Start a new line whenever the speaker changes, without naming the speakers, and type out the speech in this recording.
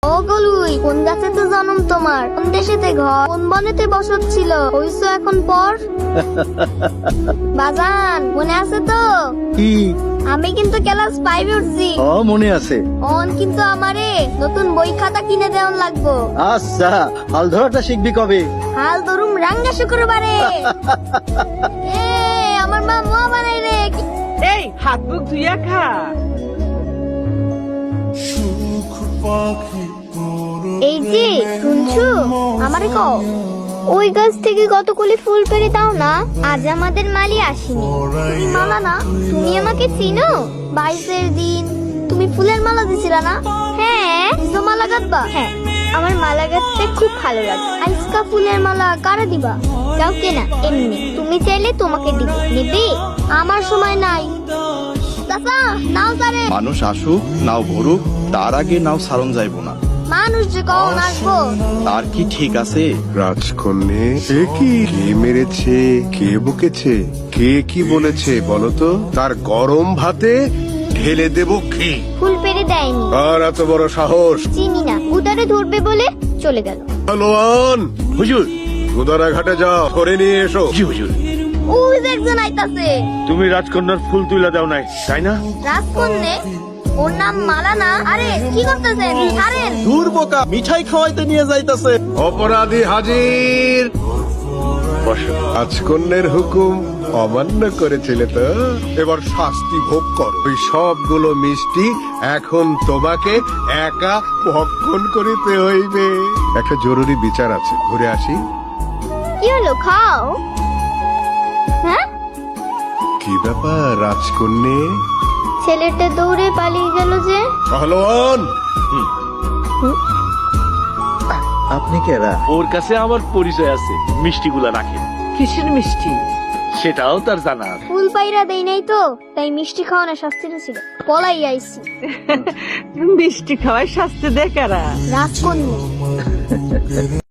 ও গলুই, কোন গাছেতে জন্ম তোমার, কোন দেশেতে ঘর, কোন বনেতে বসত ছিল, হইছো এখন পর? বাজান মনে আছে তো?
কি?
আমি কিন্তু ক্লাস 5 উঠছি।
ও মনে আছে।
অন কিন্তু আমারে নতুন বই খাতা কিনে দেওয়ান লাগবো।
আচ্ছা, হাল ধরাটা শিখবি কবে?
হাল ধরুম রাঙ্গা শুক্রবারে। এ আমার মা মোয়া বানাই রে।
এই হাত মুখ ধুইয়া খা।
এই যে শুনছো, আমারে কও ওই গাছ থেকে কতগুলি ফুল পেড়ে দাও না, আজ আমাদের মালি আসেনি। তুমি মালা না, তুমি আমাকে চিনো? 22-এর দিন তুমি ফুলের মালা দিছিলা না? হ্যাঁ, নিজে মালা গাঁথবা? হ্যাঁ, আমার মালা গাঁথতে খুব ভালো লাগে। আজকা ফুলের মালা কারে দিবা? কাউকে না, এমনি তুমি চাইলে তোমাকে দিব। নিবি? আমার সময় নাই। চাচা নাও তারে।
মানুষ আসুক নাও ভরুক, তার আগে নাও সারণ যাইব না।
মানুষ যে কখন আসবো?
তার কি ঠিক আছে?
রাজকন্যে, সে কি? কে মেরেছে, কে বকেছে, কে কি বলেছে বলতো? তার গরম ভাতে ঢেলে দেব কি?
ফুল পেড়ে দেয়নি।
আর এত বড় সাহস!
চিনি না, উদারে ধরবে বলে চলে গেল।
পালোয়ান,
হুজুর।
গুদারা ঘাটে যাও, ধরে নিয়ে এসো।
জি হুজুর।
ওই যে একজন আইতাছে।
তুমি রাজকন্যার ফুল তুইলা দাও নাই, তাই না?
রাজকন্যে? ওর নাম মালা না? আরে কি করতেছেন? ছাড়েন।
দূর বোকা, মিঠাই খাওয়াইতে নিয়ে যাইতাছে।
অপরাধী হাজির।
বসো।
রাজকন্যের হুকুম অমান্য করেছিলে তো, এবার শাস্তি ভোগ করো। ওই সবগুলো মিষ্টি এখন তোমাকে একা ভক্ষণ করিতে হইবে। একটা জরুরি বিচার আছে, ঘুরে আসি।
কি হলো, খাও। হ্যাঁ,
কি ব্যাপার রাজকন্যে?
ছেলেটা দৌড়ে পালিয়ে গেল যে।
পালোয়ান,
আপনি কেরা?
ওর কাছে আমার পরিচয় আছে, মিষ্টিগুলা রাখেন।
কিসের মিষ্টি?
সেটাও তার জানা আছে।
ফুল পাইরা দেই নাই তো, তাই মিষ্টি খাওয়ানোর শাস্তিটা ছিল। পলাই আইছি।
মিষ্টি খাওয়ায় শাস্তি দেয় কারা?
রাজকন্যা।